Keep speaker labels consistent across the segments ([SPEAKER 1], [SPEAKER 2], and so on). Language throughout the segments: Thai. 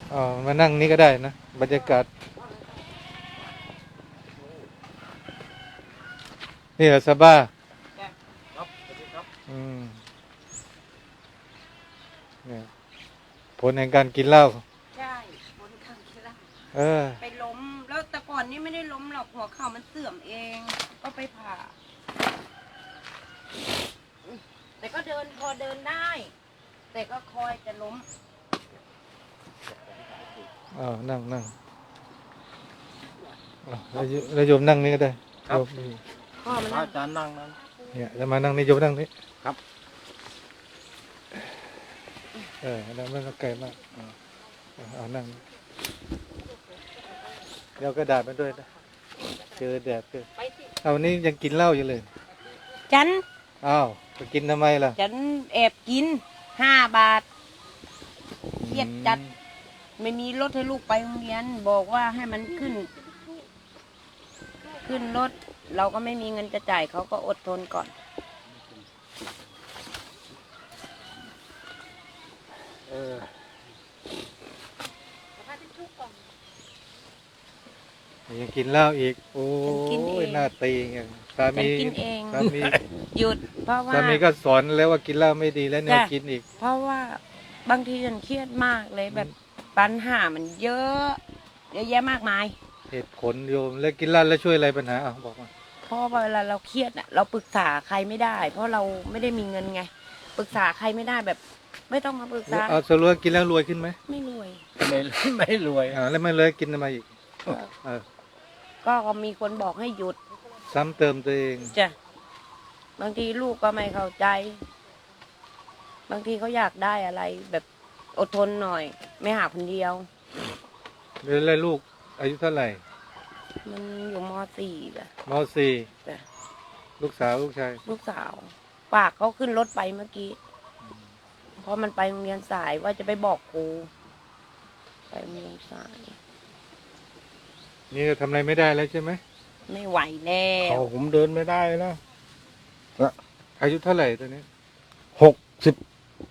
[SPEAKER 1] อ๋อมานั่งนี่ก็ได้นะบรรยากาศนี่เหรอซาบ้า
[SPEAKER 2] ครับสวัสดีครับ
[SPEAKER 1] อืมเนี่ยผลแห่งการกินเหล้า
[SPEAKER 3] ใช่บนข้างที่ล่าง
[SPEAKER 1] เออ
[SPEAKER 3] ไปล้มแล้วแต่ก่อนนี่ไม่ได้ล้มหรอกหัวเข่ามันเสื่อมเอง ก็ไปผ่าแต่ก็เดินพอเดินได้ แต่ก็คอยจะล้ม
[SPEAKER 1] อ๋อนั่งนั่งอ๋อแล้วโยมนั่งนี่ก็ได้โยม
[SPEAKER 3] พ่อมัน
[SPEAKER 2] อาจารย์นั่งนั้น
[SPEAKER 1] เนี่ยจะมานั่งนี่โยมนั่งนี่
[SPEAKER 2] ครับ
[SPEAKER 1] นั่งไม่ต้องไกลมากเอานั่งเดี๋ยวกระดาษมาด้วยนะเจอแดดเจอ
[SPEAKER 3] ไปสิ
[SPEAKER 1] เอาวันนี้ยังกินเหล้าอยู่เลย
[SPEAKER 3] ฉัน
[SPEAKER 1] อ้าวไปกินทำไมล่ะ
[SPEAKER 3] ฉันแอบกิน5 บาทเครียดจัด ไม่มีรถให้ลูกไปโรงเรียนบอกว่าให้มันขึ้นรถ เราก็ไม่มีเงินจะจ่ายเขาก็อดทนก่อน
[SPEAKER 1] เออยังกินเหล้าอีกโอ้
[SPEAKER 3] กินเอย ง
[SPEAKER 1] หน้าตีอย่างสา
[SPEAKER 3] ฉัน
[SPEAKER 1] มี
[SPEAKER 3] กินเอง
[SPEAKER 1] สามี
[SPEAKER 3] หยุดเพราะว่า
[SPEAKER 1] สามีก็สอนแล้วว่ากินเหล้าไม่ดีแล้วเนี่ย
[SPEAKER 3] จ้ะ
[SPEAKER 1] กินอีก
[SPEAKER 3] เพราะว่าบางทีฉันเครียดมากเลยแบบปัญหามันเยอะเยอะแยะมากมาย
[SPEAKER 1] เหตุผลโยมแล้วกินเหล้าแล้วช่วยอะไรปัญหาอ่ะบอกมา
[SPEAKER 3] เพราะว่าเวลาเราเครียดอ่ะเราปรึกษาใครไม่ได้ เพราะเราไม่ได้มีเงินไงปรึกษาใครไม่ได้แบบ ไม่ต้องมาปรึกษา
[SPEAKER 1] เอาสรุปว่ากินแล้วรวยขึ้นไหม
[SPEAKER 3] ไม่รวย
[SPEAKER 2] ไม่รวย
[SPEAKER 1] แล้วไม่เลยกินทำไมอีกเออ
[SPEAKER 3] ก็มีคนบอกให้หยุด
[SPEAKER 1] ซ้ำเติมตัวเอง
[SPEAKER 3] จ้ะบางทีลูกก็ไม่เข้าใจ บางทีเขาอยากได้อะไร แบบอดทนหน่อย ไม่หาคนเดียว
[SPEAKER 1] แล้วลูกอายุเท่าไหร่
[SPEAKER 3] มันอยู่ม .4 จ้ะ
[SPEAKER 1] ม .4
[SPEAKER 3] จ้ะ
[SPEAKER 1] ลูกสาวลูกชาย
[SPEAKER 3] ลูกสาวฝากเขาขึ้นรถไปเมื่อกี้เพราะมันไปโรงเรียนสายว่าจะไปบอกครูไปโรงเรียนสาย
[SPEAKER 1] นี่ก็ทำอะไรไม่ได้แล้วใช่ไหม
[SPEAKER 3] ไม่ไหวแล้ว
[SPEAKER 2] เขาผมเดินไม่ได้นะ
[SPEAKER 1] อายุเท่าไหร่ตอนนี้
[SPEAKER 2] 60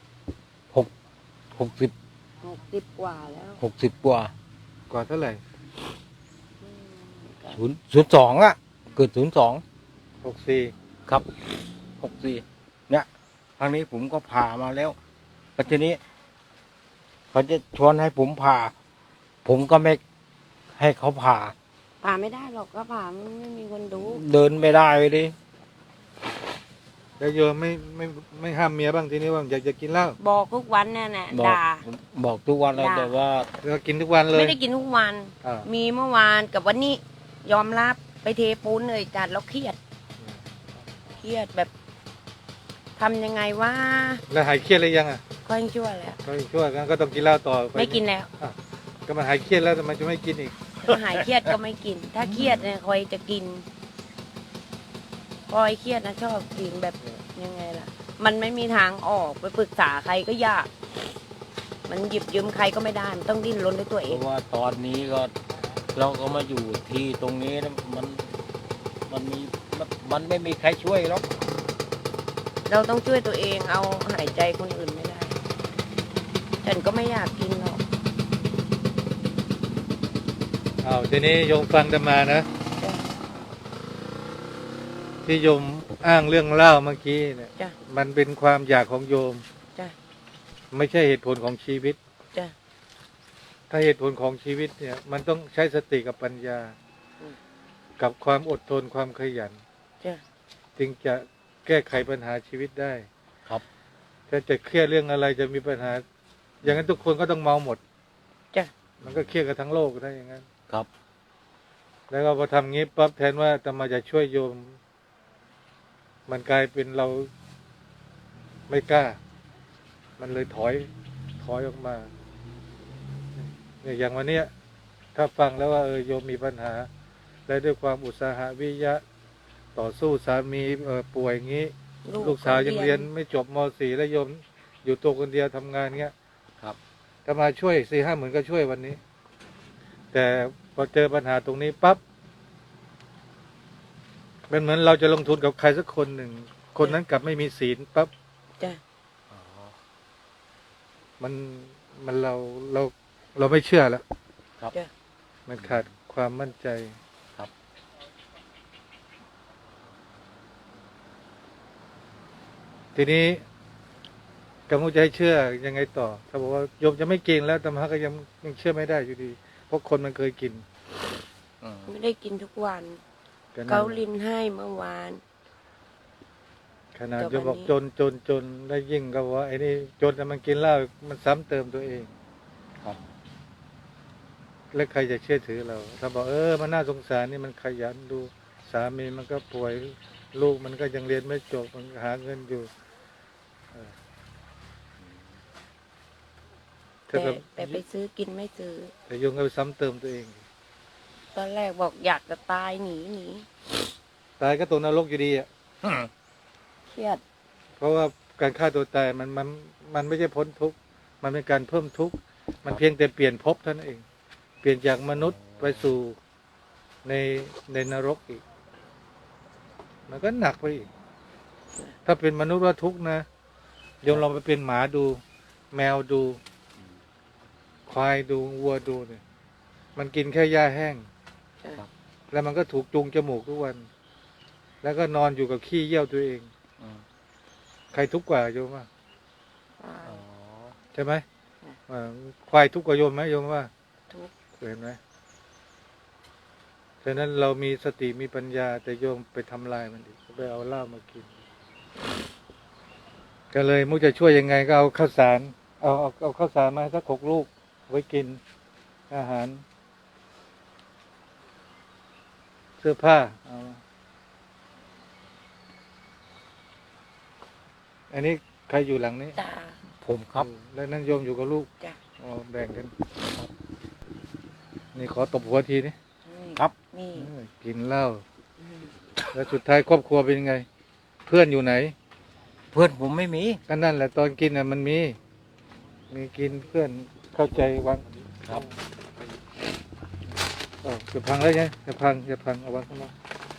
[SPEAKER 2] 60
[SPEAKER 3] 60 กว่าแล้ว
[SPEAKER 2] 60กว่าก
[SPEAKER 1] ว่าเท่าไหร่
[SPEAKER 3] อืม
[SPEAKER 2] 02อ่ะเกิด02
[SPEAKER 1] 64
[SPEAKER 2] ครับ64เนี่ยทางนี้ผมก็ผ่ามาแล้วแล้วทีนี้เขาจะชวนให้ผมผ่า ผมก็ไม่ให้เขาผ่า
[SPEAKER 3] ผ่าไม่ได้หรอกก็ผ่าไม่มีคนดู
[SPEAKER 2] เดินไม่ได้เลย
[SPEAKER 1] แล้วโยมไม่ห้ามเมียบ้างทีนี้ว่าอยากจะกินเหล้า
[SPEAKER 3] บอกทุกวันเนี่ยนะ
[SPEAKER 2] บอก
[SPEAKER 3] ด่า
[SPEAKER 2] บอกทุกวันแล้ว
[SPEAKER 3] ด่า
[SPEAKER 2] แต่ว่า
[SPEAKER 1] แล้วกินทุกวันเลย
[SPEAKER 3] ไม่ได้กินทุกวัน
[SPEAKER 1] อ่า
[SPEAKER 3] มีเมื่อวานกับวันนี้ยอมรับไปเทปูนเลยจัดแล้วเครียดแบบทำยังไงว่า
[SPEAKER 1] แล้วหายเครียดหรือยังอ่ะ
[SPEAKER 3] ก็ยังชั่วแล้ว
[SPEAKER 1] ก็ช่วยกันก็ต้องกินเหล้าต่อป
[SPEAKER 3] ไม่กินแล้ว
[SPEAKER 1] ก็มันหายเครียดแล้วทำไมจะไม่กินอีก
[SPEAKER 3] ถ้าหายเครียดก็ไม่กิน ถ้าเครียดเนี่ยคอยจะกินคอยเครียดนะชอบกินแบบยังไงล่ะ มันไม่มีทางออกไปปรึกษาใครก็ยาก มันหยิบยืมใครก็ไม่ได้ มันต้องดิ้นรนด้วยตัวเอ
[SPEAKER 2] เพ
[SPEAKER 3] ง
[SPEAKER 2] ราะว่าตอนนี้ก็เราก็มาอยู่ที่ตรงนี้นะมันไม่มีใครช่วยหรอก
[SPEAKER 3] เราต้องช่วยตัวเองเอาหายใจคนอื่นไม่ได้ ฉันก็ไม่อยากกินหรอก
[SPEAKER 1] อ้าวทีนี้โยมฟังจะมานะ
[SPEAKER 3] จ้ะ
[SPEAKER 1] ที่โยมอ้างเรื่องเหล้าเมื่อกี้เนี่ย
[SPEAKER 3] จ้ะ
[SPEAKER 1] มันเป็นความอยากของโยม
[SPEAKER 3] จ้ะ
[SPEAKER 1] ไม่ใช่เหตุผลของชีวิต
[SPEAKER 3] จ้ะ
[SPEAKER 1] ถ้าเหตุผลของชีวิตเนี่ย มันต้องใช้สติกับปัญญา กับความอดทนความขยัน
[SPEAKER 3] จ้ะ
[SPEAKER 1] จึงจะแก้ไขปัญหาชีวิตได้
[SPEAKER 2] ครับ
[SPEAKER 1] ถ้าจะเครียดเรื่องอะไรจะมีปัญหา อย่างนั้นทุกคนก็ต้องเมาหมด
[SPEAKER 3] จ้ะ
[SPEAKER 1] มันก็เครียดกันทั้งโลกได้อย่างนั้น
[SPEAKER 2] ครับ
[SPEAKER 1] แล้วก็พอทำงี้ปั๊บแทนว่าจะมาจะช่วยโยม มันกลายเป็นเราไม่กล้า มันเลยถอยออกมาเนี่ยอย่างวันเนี้ยถ้าฟังแล้วว่าโยมมีปัญหา และด้วยความอุตสาหะวิริยะ ต่อสู้สามีป่วยอย่างนี้ ลูกสาวยังเรียนไม่จบม .4 แล้วโยมอยู่ตัวคนเดียวทำงานเงี้ย
[SPEAKER 2] ครับ
[SPEAKER 1] ถ้ามาช่วย4-5 หมื่นก็ช่วยวันนี้ แต่พอเจอปัญหาตรงนี้ปั๊บมันเหมือนเราจะลงทุนกับใครสักคนหนึ่ง คนนั้นกลับไม่มีศีลปั๊บ
[SPEAKER 3] จ้ะ
[SPEAKER 1] มันเราเราไม่เชื่อแล้ว
[SPEAKER 2] ครับ
[SPEAKER 3] จ้ะ
[SPEAKER 1] มันขาดความมั่นใจ
[SPEAKER 2] ครับ
[SPEAKER 1] ทีนี้กำลังจะให้เชื่อยังไงต่อ ถ้าบอกว่าโยมจะไม่กินแล้วธรรมะก็ยังเชื่อไม่ได้อยู่ดี เพราะคนมันเคยกิน
[SPEAKER 2] อืม
[SPEAKER 3] ไม่ได้กินทุกวัน
[SPEAKER 1] ก็นั่น
[SPEAKER 3] เกา
[SPEAKER 1] แหละ
[SPEAKER 3] ลินให้เมื่อวาน
[SPEAKER 1] ขนาด
[SPEAKER 3] แต่
[SPEAKER 1] โยมบอก
[SPEAKER 3] วันนี้
[SPEAKER 1] จนได้ยิ่งก็ว่าไอ้นี่จนแต่มันกินเหล้ามันซ้ำเติมตัวเอง
[SPEAKER 2] ครับ
[SPEAKER 1] แล้วใครจะเชื่อถือเรา ถ้าบอกมันน่าสงสารนี่มันขยันดูสามีมันก็ป่วยลูกมันก็ยังเรียนไม่จบมันหาเงินอยู่ถ้า
[SPEAKER 3] แต่
[SPEAKER 1] กับ
[SPEAKER 3] แต่ไปซื้อกินไม่ซื้อ
[SPEAKER 1] แต่โยมก็ไปซ้ำเติมตัวเอง
[SPEAKER 3] ตอนแรกบอกอยากจะตายหนี
[SPEAKER 1] ตายก็ตกนรกอยู่ดีอ่ะ
[SPEAKER 3] เครียด
[SPEAKER 1] เพราะว่าการฆ่าตัวตายมันไม่ใช่พ้นทุกข์มันเป็นการเพิ่มทุกข์มันเพียงแต่เปลี่ยนภพเท่านั้นเอง เปลี่ยนจากมนุษย์ไปสู่ในนรกอีก มันก็หนักไปอีก ถ้าเป็นมนุษย์ว่าทุกข์นะโยมลองไปเป็นหมาดู แมวดู ควายดูวัวดูเนี่ยมันกินแค่หญ้าแห้ง
[SPEAKER 3] จ้ะ
[SPEAKER 1] แล้วมันก็ถูกจูงจมูกทุกวัน แล้วก็นอนอยู่กับขี้เยี่ยวตัวเอง
[SPEAKER 2] อืม
[SPEAKER 1] ใครทุกข์กว่าโยมว่า
[SPEAKER 3] ตาย
[SPEAKER 2] อ๋อ
[SPEAKER 1] ใช่ไหมควายทุกข์กว่าโยมไหมโยมว่า
[SPEAKER 3] ทุกข์
[SPEAKER 1] เห็นไหมฉะนั้นเรามีสติมีปัญญา แต่โยมไปทำลายมันอีกไปเอาเหล้ามากิน ก็เลยมุกจะช่วยยังไงก็เอาข้าวสาร เอาข้าวสารมาสัก6 ลูกไว้กิน อาหาร เสื้อผ้าเอามาอันนี้ใครอยู่หลังนี้
[SPEAKER 3] ตา
[SPEAKER 2] ผมครับ
[SPEAKER 1] แล้วนั่นโยมอยู่กับลูก
[SPEAKER 3] จ้ะ
[SPEAKER 1] อ๋อแบ่งกัน นี่ขอตบหัวทีนี่
[SPEAKER 2] ครับ
[SPEAKER 3] นี่
[SPEAKER 1] กินเหล้า
[SPEAKER 3] อืม
[SPEAKER 1] แล้วสุดท้ายครอบครัวเป็นยังไง เพื่อนอยู่ไหน
[SPEAKER 2] เพื่อนผมไม่มี
[SPEAKER 1] ก็นั่นแหละตอนกินน่ะมันมีกินเพื่อนเข้าใจวาง
[SPEAKER 2] ครับ
[SPEAKER 1] จะพังแล้วไงจะพังเอาวางข้างนอก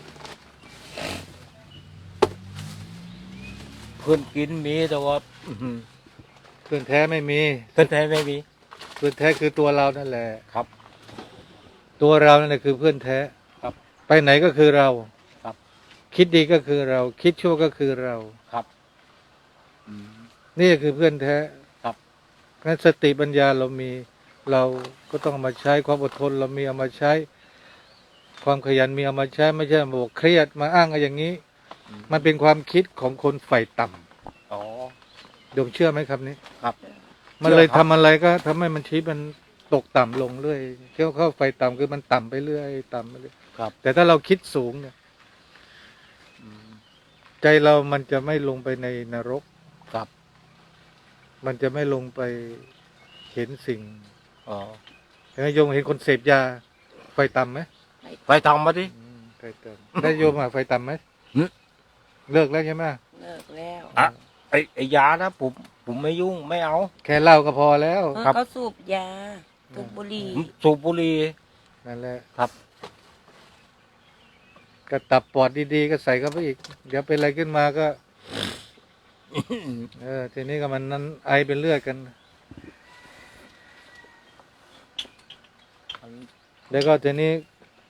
[SPEAKER 2] เพื่อนกินมีแต่ว่าอื้อหือ
[SPEAKER 1] เพื่อนแท้ไม่มี
[SPEAKER 2] เพื่อนแท้ไม่มี
[SPEAKER 1] เพื่อนแท้คือตัวเรานั่นแหละ
[SPEAKER 2] ครับ
[SPEAKER 1] ตัวเรานั่นแหละคือเพื่อนแท้
[SPEAKER 2] ครับ
[SPEAKER 1] ไปไหนก็คือเรา
[SPEAKER 2] ครับ
[SPEAKER 1] คิดดีก็คือเรา คิดชั่วก็คือเรา
[SPEAKER 2] ครับอืม
[SPEAKER 1] นี่คือเพื่อนแท้
[SPEAKER 2] ครับ
[SPEAKER 1] งั้นสติปัญญาเรามี เราก็ต้องเอามาใช้ความอดทน เรามีเอามาใช้ ความขยันมีเอามาใช้ ไม่ใช่มาบอกเครียดมาอ้างอะไรอย่างนี้ มันเป็นความคิดของคนฝ่ายต่ำ
[SPEAKER 2] อ๋อ
[SPEAKER 1] โยมเชื่อไหมครับนี้
[SPEAKER 2] ครับ
[SPEAKER 1] มันเลย
[SPEAKER 2] เชื่อครับ
[SPEAKER 1] ทำอะไรก็ทำให้มันชีวิตมันตกต่ำลงเรื่อยเข้าไฟต่ำคือมันต่ำไปเรื่อยต่ำไปเรื่อย
[SPEAKER 2] ครับ
[SPEAKER 1] แต่ถ้าเราคิดสูงเนี่ย
[SPEAKER 2] อืม
[SPEAKER 1] ใจเรามันจะไม่ลงไปในนรก
[SPEAKER 2] ครับ
[SPEAKER 1] มันจะไม่ลงไปเห็นสิ่ง
[SPEAKER 2] อ๋อ
[SPEAKER 1] เห็นไหมโยมเห็นคนเสพยา ไฟต่ำไหม
[SPEAKER 2] ไปทำมาดิ
[SPEAKER 1] ไฟต่ำได้โยมไฟต่ำไหม
[SPEAKER 2] หึ
[SPEAKER 1] เลิกแล้วใช่ไหม
[SPEAKER 3] เลิกแล้ว
[SPEAKER 2] อ่ะ ไอ้ยานะผมไม่ยุ่งไม่เอา
[SPEAKER 1] แค่เหล้าก็พอแล้ว
[SPEAKER 2] ครับ
[SPEAKER 3] เขาสูบยาสูบบุหรี่
[SPEAKER 2] ผมสูบบุหรี่
[SPEAKER 1] นั่นแหละ
[SPEAKER 2] ครับ
[SPEAKER 1] ก็ตับปอดดีๆก็ใส่เข้าไปอีก เดี๋ยวเป็นอะไรขึ้นมาก็ ทีนี้ก็มันนั้นไอเป็นเลือดกัน แล้วก็ทีนี้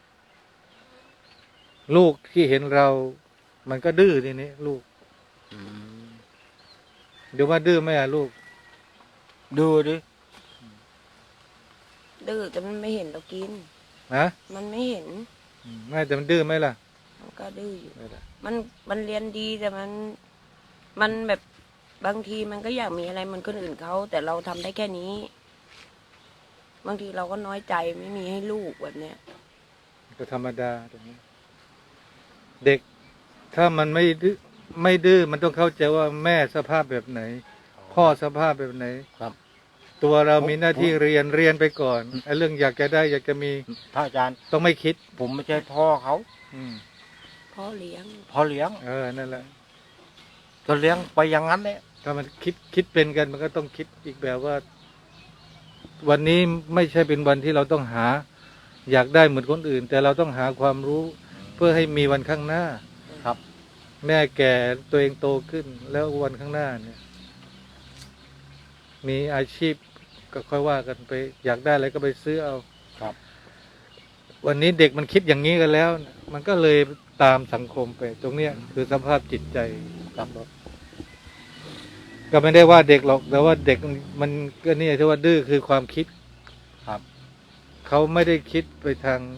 [SPEAKER 1] ลูกที่เห็นเรา มันก็ดื้อทีนี้ลูก
[SPEAKER 2] อืม
[SPEAKER 1] เดี๋ยวว่าดื้อไหมอ่ะลูก
[SPEAKER 2] ดูดิ
[SPEAKER 3] ดื้อแต่มันไม่เห็นเรากิน
[SPEAKER 1] นะ
[SPEAKER 3] มันไม่เห็น
[SPEAKER 1] ไม่แต่มันดื้อไหมล่ะ
[SPEAKER 3] มันก็ดื้ออยู่
[SPEAKER 1] ไม่ล่ะ
[SPEAKER 3] มันเรียนดีแต่มันแบบบางทีมันก็อยากมีอะไรเหมันคนอื่นเขาแต่เราทำได้แค่นี้ บางทีเราก็น้อยใจไม่มีให้ลูกแบบเนี้ย
[SPEAKER 1] ก็ธรรมดาตรงนี้ เด็ก ถ้ามันไม่ดื้อมันต้องเข้าใจว่าแม่สภาพแบบไหน พ่อสภาพแบบไหน
[SPEAKER 2] ครับ
[SPEAKER 1] ตัวเรามีหน้าที่เรียนไปก่อนไอ้เรื่องอยากจะได้ อยากจะมี
[SPEAKER 2] พระอาจารย์
[SPEAKER 1] ต้องไม่คิด
[SPEAKER 2] ผมไม่ใช่พ่อเขา
[SPEAKER 1] อืม
[SPEAKER 3] พ่อเลี้ยง
[SPEAKER 2] พ่อเลี้ยง
[SPEAKER 1] นั่นแหละ
[SPEAKER 2] ก็เลี้ยงไปอย่างนั้นแหละ
[SPEAKER 1] ถ้ามันคิดเป็นกันมันก็ต้องคิดอีกแบบว่า วันนี้ไม่ใช่เป็นวันที่เราต้องหา อยากได้เหมือนคนอื่น แต่เราต้องหาความรู้ เพื่อให้มีวันข้างหน้า
[SPEAKER 2] ครับ
[SPEAKER 1] แม่แก่ตัวเองโตขึ้น แล้ววันข้างหน้าเนี่ย มีอาชีพก็ค่อยว่ากันไป อยากได้อะไรก็ไปซื้อเอา
[SPEAKER 2] ครับ
[SPEAKER 1] วันนี้เด็กมันคิดอย่างนี้กันแล้ว มันก็เลยตามสังคมไป ตรงเนี้ยคือสภาพจิตใจ
[SPEAKER 2] ครับ
[SPEAKER 1] ก็ไม่ได้ว่าเด็กหรอก แต่ว่าเด็กมันก็เนี่ยที่ว่าดื้อคือความคิด
[SPEAKER 2] ครับ
[SPEAKER 1] เขาไม่ได้คิดไปทาง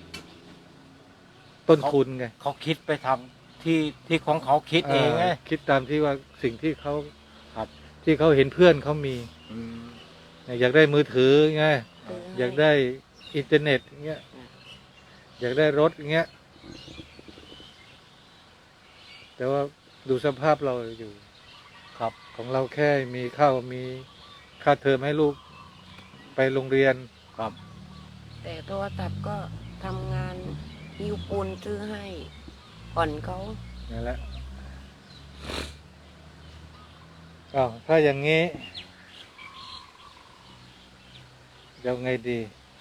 [SPEAKER 1] ต้นทุนไง
[SPEAKER 2] เขาคิดไปทำที่ของเขาคิดเองไง
[SPEAKER 1] คิดตามที่ว่าสิ่งที่เขา
[SPEAKER 2] ครับ
[SPEAKER 1] ที่เขาเห็นเพื่อนเขามี
[SPEAKER 2] อืม
[SPEAKER 1] อยากได้มือถือไง
[SPEAKER 3] ซื้ให้
[SPEAKER 1] อยากได้อินเทอร์เน็ตอย่างเงี้ย อยากได้รถอย่างเงี้ย แต่ว่าดูสภาพเราอยู่
[SPEAKER 2] ครับ
[SPEAKER 1] ของเราแค่มีข้าวมีค่าเทอมให้ลูกไปโรงเรียน
[SPEAKER 2] ครับ
[SPEAKER 3] แต่โทรศัพท์ก็ทำงานหิวปูนซื้อให้ผ่อนเขา
[SPEAKER 1] นั่นแหละอ้าวถ้าอย่างนี้เดี๋ยวไงดี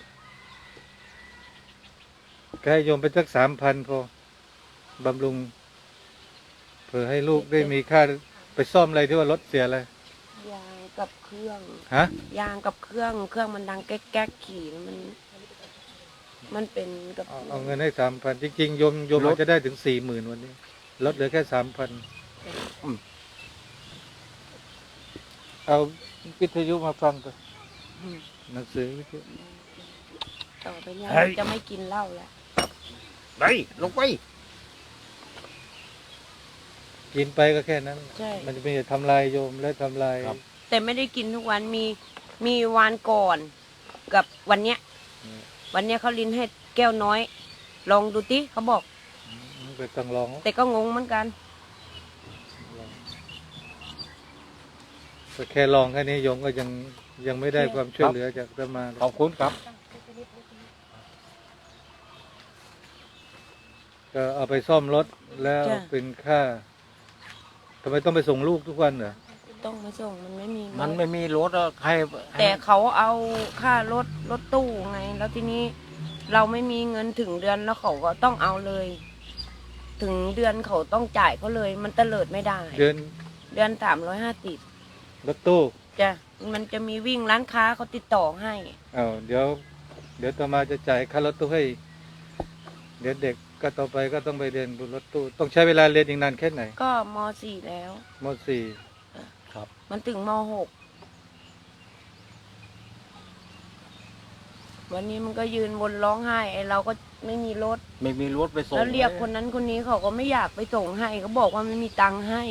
[SPEAKER 1] ก็ให้โยมไปสัก3,000พอบำรุงเผื่อให้ลูกได้มีค่าไปซ่อมอะไรที่ว่ารถเสียอะไร
[SPEAKER 3] ยางกับเครื่อง
[SPEAKER 1] ฮะ
[SPEAKER 3] ยางกับเครื่องมันดังแก๊กๆขี่แล้วมันเป็นกับ
[SPEAKER 1] เอาเงินให้3,000จริงๆโยมอาจจะได้ถึง40,000วันนี้ลดเหลือแค่3,000เอาวิทยุมาฟังก่อน
[SPEAKER 3] อืม
[SPEAKER 1] หนังสือวิทยุ
[SPEAKER 3] ต่อไปเนี่ย
[SPEAKER 2] เฮ้ย
[SPEAKER 3] จะไม่กินเหล้าแล้ว
[SPEAKER 2] ไปลงไป
[SPEAKER 1] กินไปก็แค่นั้น
[SPEAKER 3] ใช่
[SPEAKER 1] มันจะไม่ทำลายโยมและทำลาย
[SPEAKER 2] ครับ
[SPEAKER 3] แต่ไม่ได้กินทุกวันมีวันก่อนกับวันเนี้ย วันเนี้ยเขาลิ้นให้แก้วน้อย ลองดูติเขาบอก
[SPEAKER 1] ไปต้องลอง
[SPEAKER 3] แต่ก็งงเหมือนกัน
[SPEAKER 1] ก็แค่ลองแค่นี้โยมก็ยังไม่ได้ความช่วยเหลือจากอาตมา
[SPEAKER 2] ขอบคุณครับ
[SPEAKER 1] ก็เอาไปซ่อมรถแล้ว
[SPEAKER 3] จ้ะ
[SPEAKER 1] เป็นค่าทำไมต้องไปส่งลูกทุกวันเหรอ
[SPEAKER 3] ต้องมาส่งมันไม่มี
[SPEAKER 2] มันไม่มีรถอะใคร
[SPEAKER 3] แต่เขาเอาค่ารถตู้ไง แล้วทีนี้เราไม่มีเงินถึงเดือนแล้วเขาก็ต้องเอาเลย ถึงเดือนเขาต้องจ่ายเขาเลย มันเตลิดไม่ได้
[SPEAKER 1] เดือน
[SPEAKER 3] เดือน350
[SPEAKER 1] รถตู้
[SPEAKER 3] จ้ะมันจะมีวิ่งร้านค้าเขาติดต่อให้
[SPEAKER 1] อ้าวเดี๋ยวอาตมาจะจ่ายค่ารถตู้ให้เดี๋ยวเด็กก็ต่อไปก็ต้องไปเรียนบนรถตู้ต้องใช้เวลาเรียนอีกนานแค่ไหน
[SPEAKER 3] ก็ม .4 แล้ว
[SPEAKER 1] ม
[SPEAKER 2] ครับ
[SPEAKER 3] มันถึงม .6 วันนี้มันก็ยืนบนร้องไห้ไอเราก็ไม่มีรถ
[SPEAKER 2] ไม่มีรถไปส่ง
[SPEAKER 3] แล้วเรียกคนนั้นคนนี้เขาก็ไม่อยากไปส่งให้เขาบอกว่าไม่มีตังค์ให้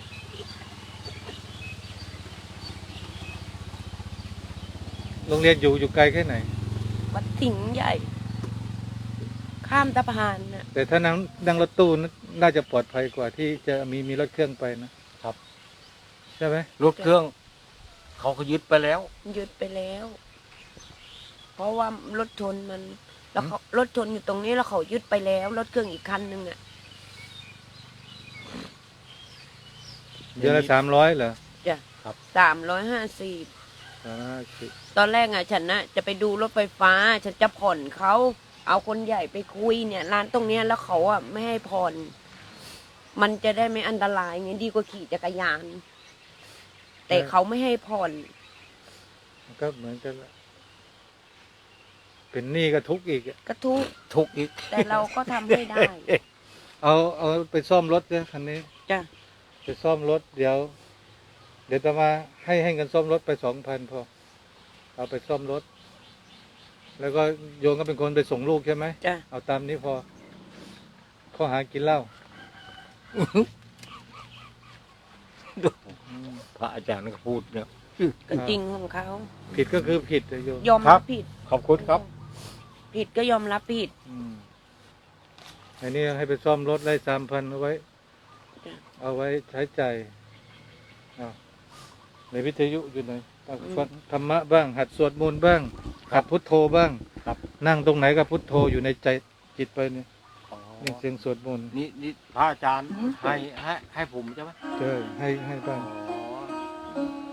[SPEAKER 1] 4โรงเรียนอยู่ไกลแค่ไหน
[SPEAKER 3] วัดสิงห์ใหญ่ ข้ามสะพานน่ะ
[SPEAKER 1] แต่ถ้านั่งรถตู้น่าจะปลอดภัยกว่าที่จะมีรถเครื่องไปนะครับ ใช่ไหม
[SPEAKER 2] รถเครื่อง เขาก็ยึดไปแล้ว
[SPEAKER 3] ยึดไปแล้ว เพราะว่ารถชนมัน แล้วเขารถชนอยู่ตรงนี้แล้วเขายึดไปแล้ว รถเครื่องอีกคันหนึ่งอ่ะ
[SPEAKER 1] เดือนละ300เหรอ
[SPEAKER 3] จ้ะ
[SPEAKER 2] ครับ
[SPEAKER 3] 350ตอนแรกอ่ะฉันน่ะจะไปดูรถไฟฟ้า ฉันจะผ่อนเขาเอาคนใหญ่ไปคุยเนี่ยร้านตรงเนี้ยแล้วเขาอ่ะไม่ให้ผ่อน มันจะได้ไม่อันตรายไงดีกว่าขี่จักรยาน แต่เขาไม่ให้ผ่อน
[SPEAKER 1] มันก็เหมือนกันละเป็นหนี้ก็ทุกข์อีกอะ
[SPEAKER 3] ก็ทุกข์
[SPEAKER 2] ทุกข์อีก
[SPEAKER 3] แต่เราก็ทำให้ได้
[SPEAKER 1] เอาไปซ่อมรถเนี่ยคันนี้
[SPEAKER 3] จ้ะ
[SPEAKER 1] ไปซ่อมรถเดี๋ยวจะมาให้เงินซ่อมรถไป2,000พอเอาไปซ่อมรถ แล้วก็โยงก็เป็นคนไปส่งลูกใช่ไหม
[SPEAKER 3] จ้ะ
[SPEAKER 1] เอาตามนี้พอข้อหากินเหล้า
[SPEAKER 2] พระอาจารย์ก็พูดเนี่ย
[SPEAKER 3] ก็จริงของเขา
[SPEAKER 1] ผิดก็คือผิดอะโยม
[SPEAKER 3] ยอม
[SPEAKER 2] ครั
[SPEAKER 3] รับบ ผิด
[SPEAKER 2] ขอบคุณครับ
[SPEAKER 3] ผิดก็ยอมรับผิด
[SPEAKER 1] อันนี้ให้ไปซ่อมรถได้3,000เอาไว้
[SPEAKER 3] จ้ะ
[SPEAKER 1] เอาไว้ใช้จ่ายอ้าวในวิทยุอยู่ไหนฟังธรรมะบ้าง หัดสวดมนต์บ้าง หัดพุทโธบ้าง
[SPEAKER 2] ครับ
[SPEAKER 1] นั่งตรงไหนก็พุทโธอยู่ในใจจิตไปเนี่ย
[SPEAKER 2] อ๋อ
[SPEAKER 1] นี่เสียงสวดมนต์
[SPEAKER 2] นี่พระอาจารย์ให้ผมใช่ไหม
[SPEAKER 1] เจอให้บ้าง
[SPEAKER 2] อ๋อ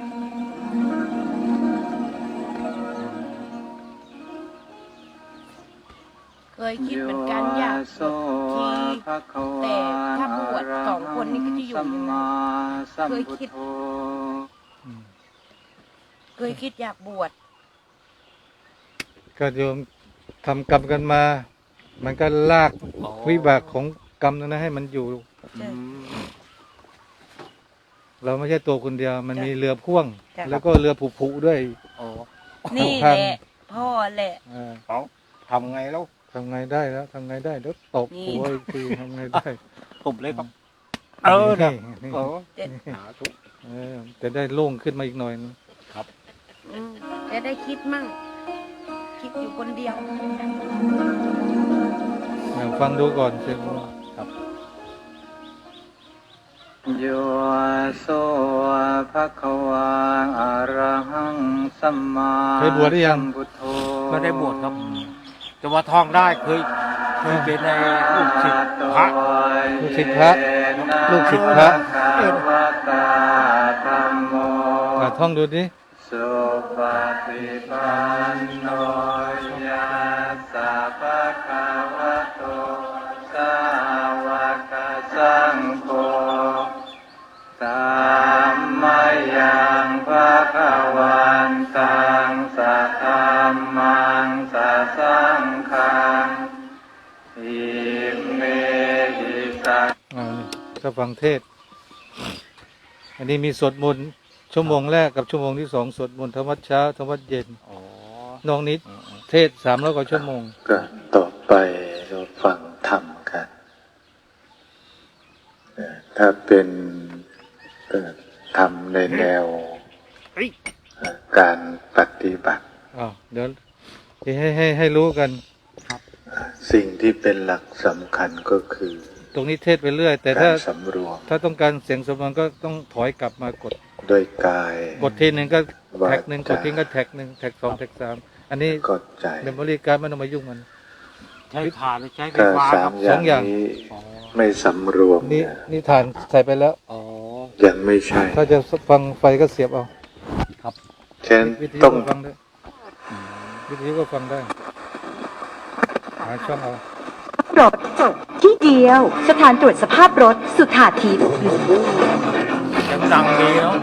[SPEAKER 3] เคยคิดเป็นการอยากบวชทีแต่ถ้าบวช2 คนนี่ก็จะอยู่ยังไงเคยคิด
[SPEAKER 1] อืม
[SPEAKER 3] เคยคิดอยากบวช
[SPEAKER 1] ก็โยมทำกรรมกันมา มันก็ลาก
[SPEAKER 2] อ๋อ
[SPEAKER 1] วิบากของกรรมนั้นให้มันอยู่
[SPEAKER 2] อืม
[SPEAKER 1] เราไม่ใช่ตัวคนเดียว มันมีเรือพ่วง
[SPEAKER 3] จ้ะ
[SPEAKER 1] แล้วก็เรือผุๆด้วย
[SPEAKER 2] อ๋อ
[SPEAKER 3] นี่แหละ พ่อแหละ
[SPEAKER 1] อ่า
[SPEAKER 2] เอาทำไงแล้ว
[SPEAKER 1] ทำไงได้แล้วทำไงได้เดี๋ยวตบ
[SPEAKER 3] นี่
[SPEAKER 1] หัวอีกทีทำไงได้
[SPEAKER 2] ผมเลยครับ
[SPEAKER 1] นี่
[SPEAKER 2] นี่เออ
[SPEAKER 3] เจ็ด
[SPEAKER 2] สาธุ
[SPEAKER 1] จะได้โล่งขึ้นมาอีกหน่อยนึง
[SPEAKER 3] อืมจะได้คิดมั่ง คิดอยู่คนเดียว
[SPEAKER 1] ฟังดูก่อนเสียง
[SPEAKER 4] โยโสภะคะวาอะระหังสัมมา
[SPEAKER 1] เคยบวชหรือยัง
[SPEAKER 4] สัมพุทโธ
[SPEAKER 2] ไม่ได้บวชครับ แต่ว่าท่องได้เคยเป็นในลูกศิษย์พระ
[SPEAKER 1] ลูกศิษย์พระลูกศิษย์พระ
[SPEAKER 4] วะตาธัมโม
[SPEAKER 1] ท่องดูดิ
[SPEAKER 4] สุปฏิปันโนยัสสะภะคะวะโตสาวกสังโฆธัมมายังภะคะวันตังสัทธัมมังสัสสังฆังอิเมหิสัง
[SPEAKER 1] นี่จะฟังเทศน์อันนี้มีสวดมนต์ชั่วโมงแรกกับชั่วโมงที่สองสวดมนต์ธรรมวัดเช้าธรรมวัดเย็น
[SPEAKER 2] อ๋อ
[SPEAKER 1] น้องนิดเทศ300 กว่าชั่วโมง
[SPEAKER 4] ก็ต่อไปเราฟังธรรมกันถ้าเป็นธรรมในแนวการปฏิบัติ
[SPEAKER 1] เดี๋ยวให้รู้กัน
[SPEAKER 4] สิ่งที่เป็นหลักสำคัญก็คือ
[SPEAKER 1] ตรงนี้เทศไปเรื่อย แต่
[SPEAKER 4] กา
[SPEAKER 1] ถ้าร
[SPEAKER 4] สำรวม
[SPEAKER 1] ถ้าต้องการเสียงสมบูรณ์ก็ต้องถอยกลับมากด
[SPEAKER 4] โดยกาย
[SPEAKER 1] กดทีหนึ่งก็
[SPEAKER 4] วา
[SPEAKER 1] แท็กหนึ่งก
[SPEAKER 4] จา
[SPEAKER 1] ดทิ้งก็แท็กหนึ่งแท็ก2แท็ก3อันนี้
[SPEAKER 4] ก็ใจ
[SPEAKER 1] เมมโมรี่การ์ดไม่ต้องมายุ่งมัน
[SPEAKER 2] ใช้ถ่านหรือใช้ไฟ
[SPEAKER 4] ถ้า
[SPEAKER 2] ฟ้า
[SPEAKER 4] สา
[SPEAKER 2] ครั
[SPEAKER 4] ม
[SPEAKER 2] บ
[SPEAKER 4] อย่า
[SPEAKER 1] สองอย่าง
[SPEAKER 4] งนี้
[SPEAKER 2] อ๋อ
[SPEAKER 4] ไม่สำรวม
[SPEAKER 1] นี่
[SPEAKER 4] เนี่ย
[SPEAKER 1] นี่ฐานใส่ไปแล้ว
[SPEAKER 2] อ๋อ
[SPEAKER 4] ยังไม่ใช่
[SPEAKER 1] ถ้าจะฟังไฟก็เสียบเอา
[SPEAKER 4] ฉะนั้น
[SPEAKER 1] วิทยุ
[SPEAKER 4] ต้อง
[SPEAKER 1] ก็ฟังได้วิทยุก็ฟังได้หาช่องเอา
[SPEAKER 5] รถจบที่เดียว สถานตรวจสภาพรถสุธาทิพย์
[SPEAKER 2] ยังดังดีเนาะ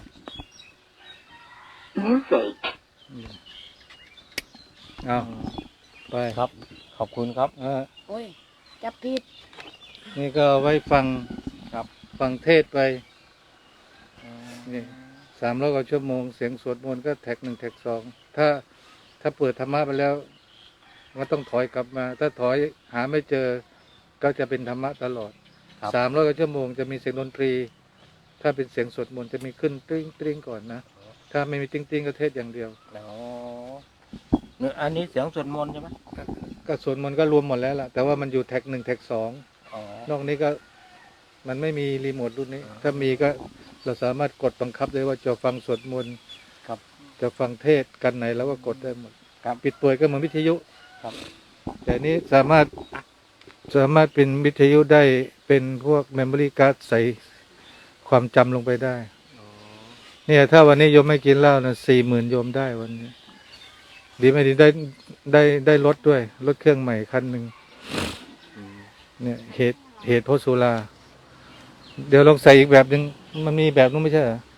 [SPEAKER 1] เอาไป
[SPEAKER 2] ครับ ขอบคุณครับ
[SPEAKER 3] โอ้ย จับผิด
[SPEAKER 1] นี่ก็เอาไว้ฟัง
[SPEAKER 2] ครับ
[SPEAKER 1] ฟังเทศไปนี่300 กว่าชั่วโมงเสียงสวดมนต์ก็แท็ก1แท็ก2ถ้าเปิดธรรมะไปแล้วมันต้องถอยกลับมา ถ้าถอยหาไม่เจอก็จะเป็นธรรมะตลอด
[SPEAKER 2] ครับ
[SPEAKER 1] 300 กว่าชั่วโมงจะมีเสียงดนตรี ถ้าเป็นเสียงสวดมนต์จะมีขึ้นติ้งติ้งก่อนนะถ้าไม่มีติ้งติ้งก็เทศอย่างเดียว
[SPEAKER 2] อ๋อเนี่ยอันนี้เสียงสวดมนต์ใช่ไหม
[SPEAKER 1] ก็สวดมนต์ก็รวมหมดแล้วล่ะแต่ว่ามันอยู่แท็ก1แท็ก2
[SPEAKER 2] อ๋อ
[SPEAKER 1] นอกนี้ก็มันไม่มีรีโมทรุ่นนี้ ถ้ามีก็เราสามารถกดบังคับได้ว่าจะฟังสวดมนต์
[SPEAKER 2] ครับ
[SPEAKER 1] จะฟังเทศกันไหนแล้วก็กดได้หมด
[SPEAKER 2] ครับ
[SPEAKER 1] ปิดเปิดก็เหมือนวิทยุ
[SPEAKER 2] ครับ
[SPEAKER 1] แต่นี้สามารถเป็นวิทยุได้เป็นพวกเมมโมรี่การ์ดใส่ความจำลงไปได้
[SPEAKER 2] อ๋อ
[SPEAKER 1] เนี่ยถ้าวันนี้โยมไม่กินเหล้านะ40,000โยมได้วันนี้ ดีไม่ดีได้รถด้วยรถเครื่องใหม่คันหนึ่ง
[SPEAKER 2] อืม
[SPEAKER 1] เนี่ยเหตุเพราะสุราเดี๋ยวลองใส่อีกแบบหนึ่งมันมีแบบนู้นไม่ใช่เหรอ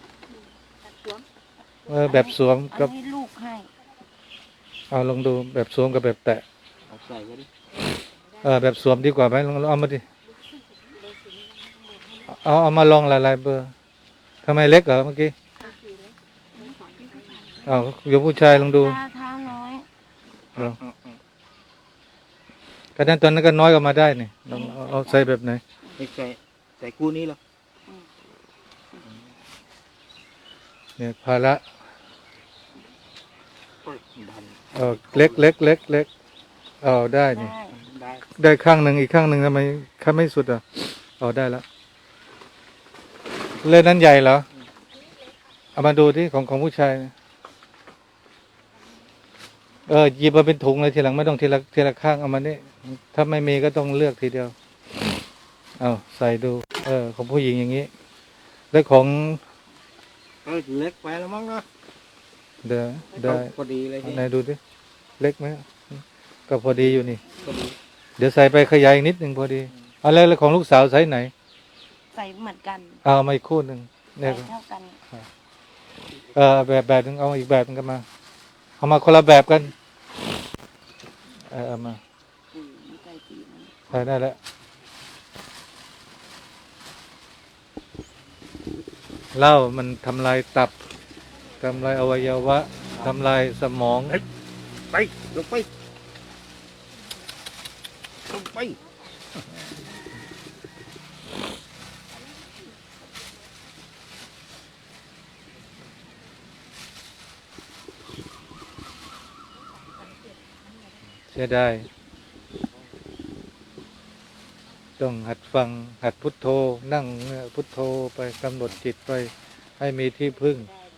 [SPEAKER 1] แบบสวม
[SPEAKER 3] อั
[SPEAKER 1] กับ
[SPEAKER 3] นนี้ลูกให้
[SPEAKER 1] เอาลองดูแบบสวมกับแบบแตะ
[SPEAKER 2] เอาใส่ไว้ดิ
[SPEAKER 1] แบบสวมดีกว่าไหมลองเอามาดิเอามาลองหลายๆเบอร์ทำไมเล็กเหรอเมื่อกี้เอาโยมผู้ชายลองดู
[SPEAKER 3] ท้าน้อย
[SPEAKER 1] ลองกระนั้นตอนนั้นก็น้อยกว่ามาได้นี่ลองเอาใส่แบบไหน
[SPEAKER 2] ไม่ใส่คู่นี้เหรอ
[SPEAKER 1] เนี่ยภาระ
[SPEAKER 2] โอ้ยดัน
[SPEAKER 1] เล็กเอาได้นี่
[SPEAKER 3] ได้
[SPEAKER 2] ได้
[SPEAKER 1] ได้ข้างหนึ่งอีกข้างหนึ่งทำไมข้างไม่สุดอ่ะเอาได้แล้วเล่นนั้นใหญ่เหรอเอามาดูที่ของผู้ชายนะหยิบมาเป็นถุงเลยทีหลังไม่ต้องทีละข้างเอามานี่ถ้าไม่มีก็ต้องเลือกทีเดียวเอาใส่ดูของผู้หญิงอย่างนี้แล้วของ
[SPEAKER 2] เล็กไปแล้วมั้งนะ
[SPEAKER 1] เดี๋ยวได้
[SPEAKER 2] พอดีเลยนี่
[SPEAKER 1] ไหนดูดิเล็กไหมก็พอดีอยู่นี่
[SPEAKER 2] พอดี
[SPEAKER 1] เดี๋ยวใส่ไปขยายอีกนิดหนึ่งพอดีเอาแล้วของลูกสาวใส่ไหน
[SPEAKER 3] ใส่เหมือนกัน
[SPEAKER 1] เอามาอีกคู่หนึ่ง
[SPEAKER 3] ใส่
[SPEAKER 1] เนี่ย
[SPEAKER 3] เท่ากัน
[SPEAKER 1] แบบนึงเอาอีกแบบนึงกันมาเอามาคนละแบบกันเอามาได้แล้วเหล้ามันทำลายตับทำลายอวัยวะทำลายสมอง
[SPEAKER 2] ไปลงไปลงไป
[SPEAKER 1] เสียดายต้องหัดฟังหัดพุทโธนั่งพุทโธไปกำหนดจิตไปให้มีที่พึ่ง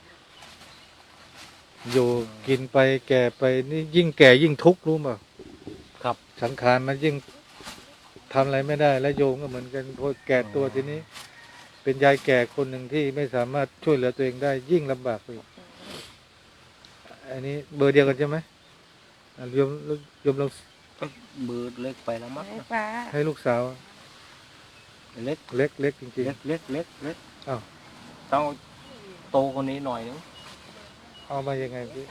[SPEAKER 1] อยู่กินไปแก่ไปนี่ยิ่งแก่ยิ่งทุกข์รู้ป่ะ
[SPEAKER 2] ครับ
[SPEAKER 1] สังขารมันยิ่งทำอะไรไม่ได้ และโยมก็เหมือนกันพอแก่ตัวทีนี้ เป็นยายแก่คนหนึ่งที่ไม่สามารถช่วยเหลือตัวเองได้ ยิ่งลำบากไปอีกอันนี้เบอร์เดียวกันใช่ไหมโยมลอง
[SPEAKER 2] เบอร์เล็กไปแล้วมั้ง
[SPEAKER 3] ให้ป้า
[SPEAKER 1] ให้ลูกสาว
[SPEAKER 2] เล็ก
[SPEAKER 1] เล็กจริง
[SPEAKER 2] เล็กเล็กเล็กเล็ก
[SPEAKER 1] อ้าว
[SPEAKER 2] ต้องโตกว่านี้หน่อยนึง
[SPEAKER 1] ๆเอามายังไงพี่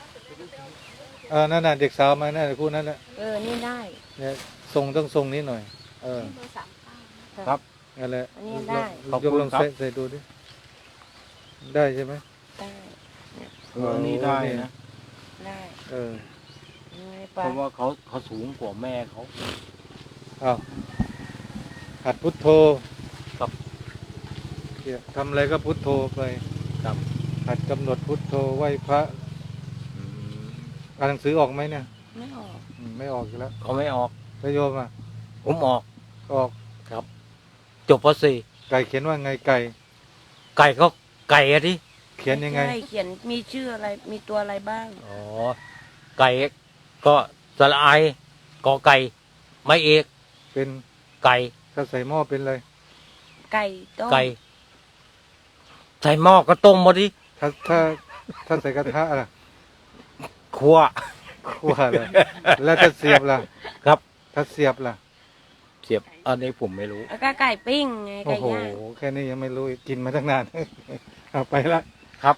[SPEAKER 1] นั่นน่ะเด็กสาวมานั่นคู่นั้นแหละ
[SPEAKER 3] นี่ได้
[SPEAKER 1] เนี่ยต้องทรงนี้หน่อย
[SPEAKER 2] ครับ
[SPEAKER 1] นั่นแหละ
[SPEAKER 3] อันนี้ได้
[SPEAKER 2] ขอบ
[SPEAKER 1] ยก
[SPEAKER 2] คุณ
[SPEAKER 1] ลอง
[SPEAKER 2] ครับ
[SPEAKER 1] ใส่ดูดิได้ใช่ไหม
[SPEAKER 3] ได้
[SPEAKER 2] อันนี้ได้นะ
[SPEAKER 3] ได้
[SPEAKER 1] เออ
[SPEAKER 3] ให้
[SPEAKER 2] เพ
[SPEAKER 3] ป้า
[SPEAKER 2] ราะว่าเขาสูงกว่าแม่เขา
[SPEAKER 1] เอาหัดพุทโธ
[SPEAKER 2] ครับ
[SPEAKER 1] เนี่ยทำอะไรก็พุทโธไป
[SPEAKER 2] ครับ
[SPEAKER 1] หัดกำหนดพุทโธไหว้พระอ่านหนังสือออกไหมเนี่ย
[SPEAKER 3] ไม่ออก
[SPEAKER 1] ไม่ออกอยู่แล้ว
[SPEAKER 2] เขาไม่ออก
[SPEAKER 1] แล้วโยมอ่ะ
[SPEAKER 2] ผมออก
[SPEAKER 1] ก็ออก
[SPEAKER 2] จบป
[SPEAKER 1] ไก่เขียนว่าไงไก่
[SPEAKER 2] .4 ไก่ก็ไก่อะที่
[SPEAKER 1] เขียนยังไง
[SPEAKER 3] ใช่เขียนมีชื่ออะไรมีตัวอะไรบ้าง
[SPEAKER 2] อ๋อไก่ก็สระไอกอไก่ไม่เอก
[SPEAKER 1] เป็น
[SPEAKER 2] ไก่
[SPEAKER 1] ถ้าใส่หม้อเป็นอะไร
[SPEAKER 3] ไก่ต้ม
[SPEAKER 2] ไก่ใส่หม้อก็ต้มมาดิ
[SPEAKER 1] ถ้าใส่กระทะล่ะ
[SPEAKER 2] คั่ว
[SPEAKER 1] คั่วล่ะแล้วถ้าเสียบล่ะ
[SPEAKER 2] ครับ
[SPEAKER 1] ถ้าเสียบล่ะ
[SPEAKER 2] เสียบอันนี้ผมไม่รู้
[SPEAKER 3] แล้วก็ไก่ปิ้งไง
[SPEAKER 1] โอ้
[SPEAKER 3] ไก่
[SPEAKER 1] โห
[SPEAKER 3] ย่าง
[SPEAKER 1] แค่นี้ยังไม่รู้อีกกินมาตั้งนาน เอาไปละ
[SPEAKER 2] ครับ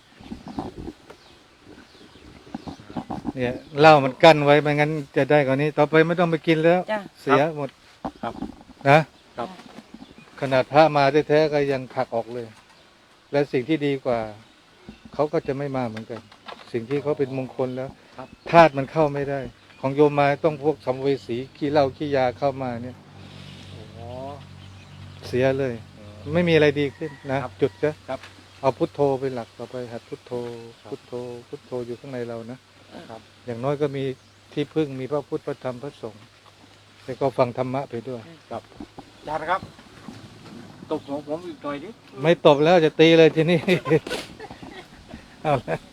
[SPEAKER 1] เนี่ยเหล้ามันกั้นไว้ไม่งั้นจะได้กว่านี้ ต่อไปไม่ต้องไปกินแล้ว
[SPEAKER 3] จ้ะ
[SPEAKER 1] เสียหมด
[SPEAKER 2] ครับ
[SPEAKER 1] นะครับ ขนาดพระมาแท้ๆก็ยังผลักออกเลย และสิ่งที่ดีกว่า เขาก็จะไม่มาเหมือนกัน สิ่งที่เขาเป็นมงคลแล้ว
[SPEAKER 2] ครับ
[SPEAKER 1] ธาตุมันเข้าไม่ได้ ของโยมมาต้องพวกสัมภเวสีขี้เหล้าขี้ยาเข้ามาเนี่ย
[SPEAKER 2] อ๋อ
[SPEAKER 1] เสียเลย ไม่มีอะไรดีขึ้นนะ
[SPEAKER 2] ครับ
[SPEAKER 1] จุดจะ
[SPEAKER 2] ครับ
[SPEAKER 1] เอาพุทโธเป็นหลักต่อไปหัดพุทโธ
[SPEAKER 2] ครับ
[SPEAKER 1] พุทโธ พุทโธอยู่ข้างในเรานะ อย่างน้อยก็มีที่พึ่งมีพระพุทธพระธรรมพระสงฆ์แล้วก็ฟังธรรมะไปด้วย
[SPEAKER 2] ครับอาจารย์ครับตกหัวผมอีกหน่อยดิ
[SPEAKER 1] ไม่ตบแล้วจะตีเลยทีนี้ เอาละ